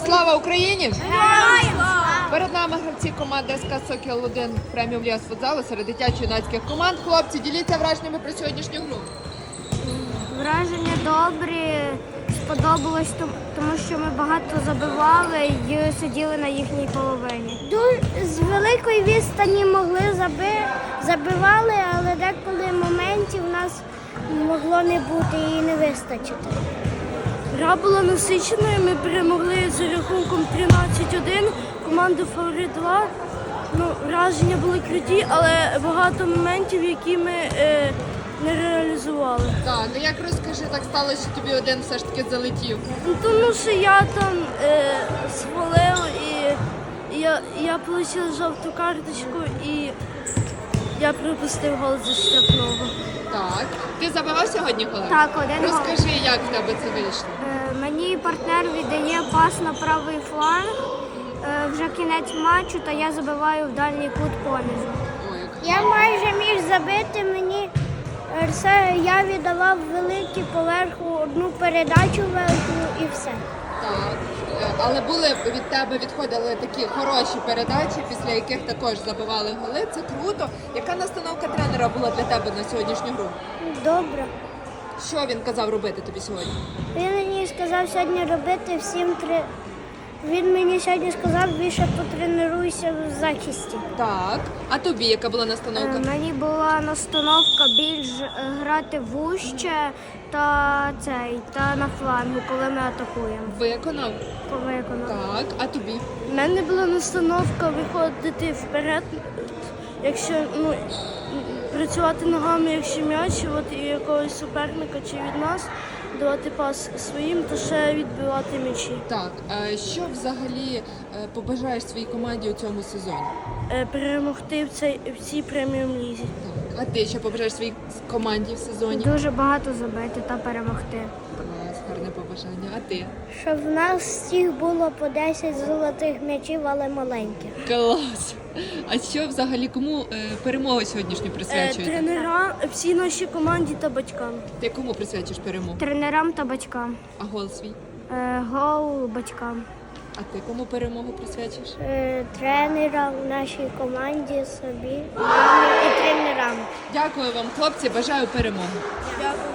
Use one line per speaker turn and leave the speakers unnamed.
Слава Україні! Перед нами гравці команди СК «Сокіл-1» преміум ліга з футзалу серед дитячо-юнацьких команд. Хлопці, діліться враженнями про сьогоднішню гру.
Враження добрі, сподобалось, тому що ми багато забивали і сиділи на їхній половині. З великої відстані забивали, але деколи моментів у нас могло не бути і не вистачити. Гра була насиченою, ми перемогли з рахунком 13-1, команду «Фаворит 2». Враження були круті, але багато моментів, які ми не реалізували.
Так, як розкажи, так сталося, що тобі один все ж таки залетів?
Тому що я там свалив і я отримала жовту карточку і я пропустив гол зі штрафного.
Так. Ти забивав сьогодні коли?
Так, один гол.
Розкажи, як в тебе це вийшло?
Мені партнер віддає пас на правий фланг, вже кінець матчу, та я забиваю в дальній кут понизу. Я майже міг забити, я віддавав великий поверху, одну передачу велику і все.
Так. Але від тебе відходили такі хороші передачі, після яких також забивали голи. Це круто. Яка настановка тренера була для тебе на сьогоднішню гру?
Добре.
Що він казав робити тобі сьогодні?
Він мені сказав сьогодні робити всім три. Він мені сьогодні сказав, більше потренуйся в захисті.
Так. А тобі яка була настановка?
Мені була настановка більш грати вужче та на флангу, коли ми атакуємо.
Виконав? Так. А тобі?
У мене була настановка виходити вперед, якщо працювати ногами, якщо м'яч, і якогось суперника чи від нас, давати пас своїм, то ще відбивати м'ячі.
Так. Що взагалі побажаєш своїй команді у цьому сезоні?
Перемогти в цій преміум лізі.
Так. А ти що побажаєш своїй команді в сезоні?
Дуже багато забити та перемогти.
Клас, гарне побажання. А ти?
Щоб в нас всіх було по 10 золотих м'ячів, але маленьких.
Клас! А що взагалі, кому перемогу сьогоднішню присвячуєте?
Тренерам, всій нашій команді та батькам.
Ти кому присвячуєш перемогу?
Тренерам та батькам.
А гол свій?
Гол батькам.
А ти кому перемогу присвячуєш?
Тренерам, нашій команді, собі, мамі і тренерам.
Дякую вам, хлопці, бажаю перемоги.
Дякую.